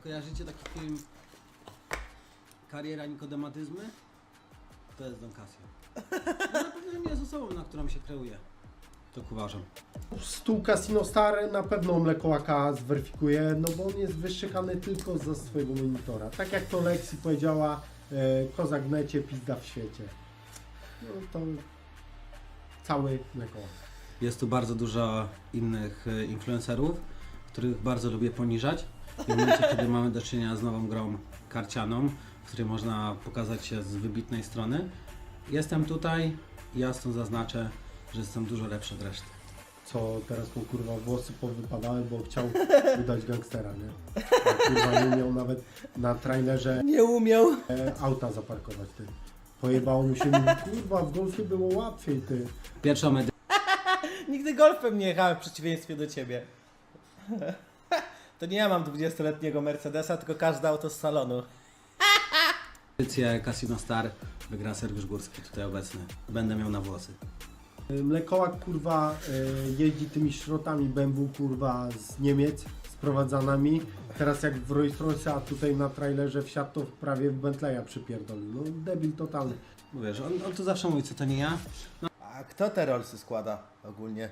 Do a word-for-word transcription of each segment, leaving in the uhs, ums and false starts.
Kojarzycie taki film Kariera Nikodematyzmy? To jest Don Casio. No, na pewno nie jest osobą, na którą się kreuje. Tak uważam. Stół Casino Star na pewno Mlekołaka zweryfikuje, no bo on jest wyszczekany tylko za swojego monitora. Tak jak to Lexi powiedziała, e, kozak w necie, pizda w świecie. No to cały Mlekołak. Jest tu bardzo dużo innych e, influencerów, których bardzo lubię poniżać. W momencie, kiedy mamy do czynienia z nową grą karcianą, w której można pokazać się z wybitnej strony, jestem tutaj i jasno zaznaczę, że jestem dużo lepszy od reszty. Co teraz mu kurwa włosy powypadały, bo chciał udać gangstera, nie? A kurwa nie miał nawet na trailerze Nie umiał. e, auta zaparkować, ty. Pojebało mu się, mówi, kurwa w golfie było łatwiej, ty. Pierwszą Nigdy golfem nie jechałem w przeciwieństwie do ciebie. To nie ja mam dwudziestoletniego Mercedesa, tylko każde auto z salonu. edycję Casino Star wygra Sergiusz Górski, tutaj obecny. Będę miał na włosy. Mlekołak kurwa e, jeździ tymi szrotami B M W kurwa z Niemiec sprowadzanymi. Teraz jak w Rolls Royce, a tutaj na trailerze wsiadł to prawie w Bentleya przypierdolił. No debil totalny. Bo wiesz, on, on tu zawsze mówi, co to nie ja. A kto te Rollsy składa ogólnie?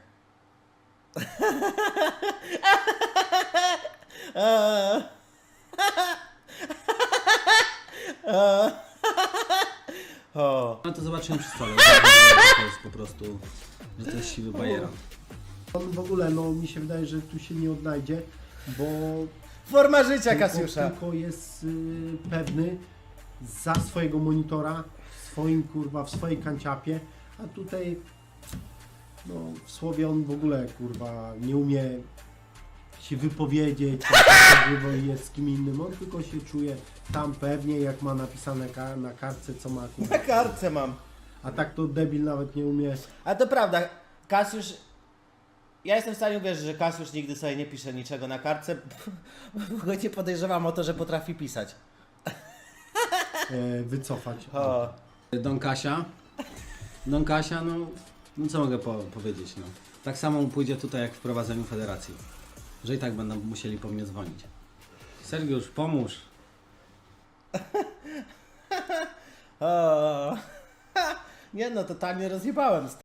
O. No to zobaczymy przy stole, że to jest po prostu, że to jest siwy bajeran. On w ogóle, no mi się wydaje, że tu się nie odnajdzie, bo Forma życia tylko, Kasiusza. tylko jest y, pewny za swojego monitora, w swoim kurwa, w swojej kanciapie, a tutaj no w słowie on w ogóle kurwa nie umie się wypowiedzieć, tak jest z kim innym, on tylko się czuje tam pewnie, jak ma napisane ka na kartce, co ma kurwa. Na kartce mam. A tak to debil nawet nie umie. A to prawda, Kasiusz... Ja jestem w stanie uwierzyć, że Kasiusz nigdy sobie nie pisze niczego na kartce, bo go nie podejrzewam o to, że potrafi pisać. E, wycofać. O. Don Kasia. Don Kasia, no, no co mogę po powiedzieć, no. Tak samo mu pójdzie tutaj jak w prowadzeniu federacji. Że i tak będą musieli po mnie dzwonić. Sergiusz, pomóż. O. Nie no, totalnie rozjebałem.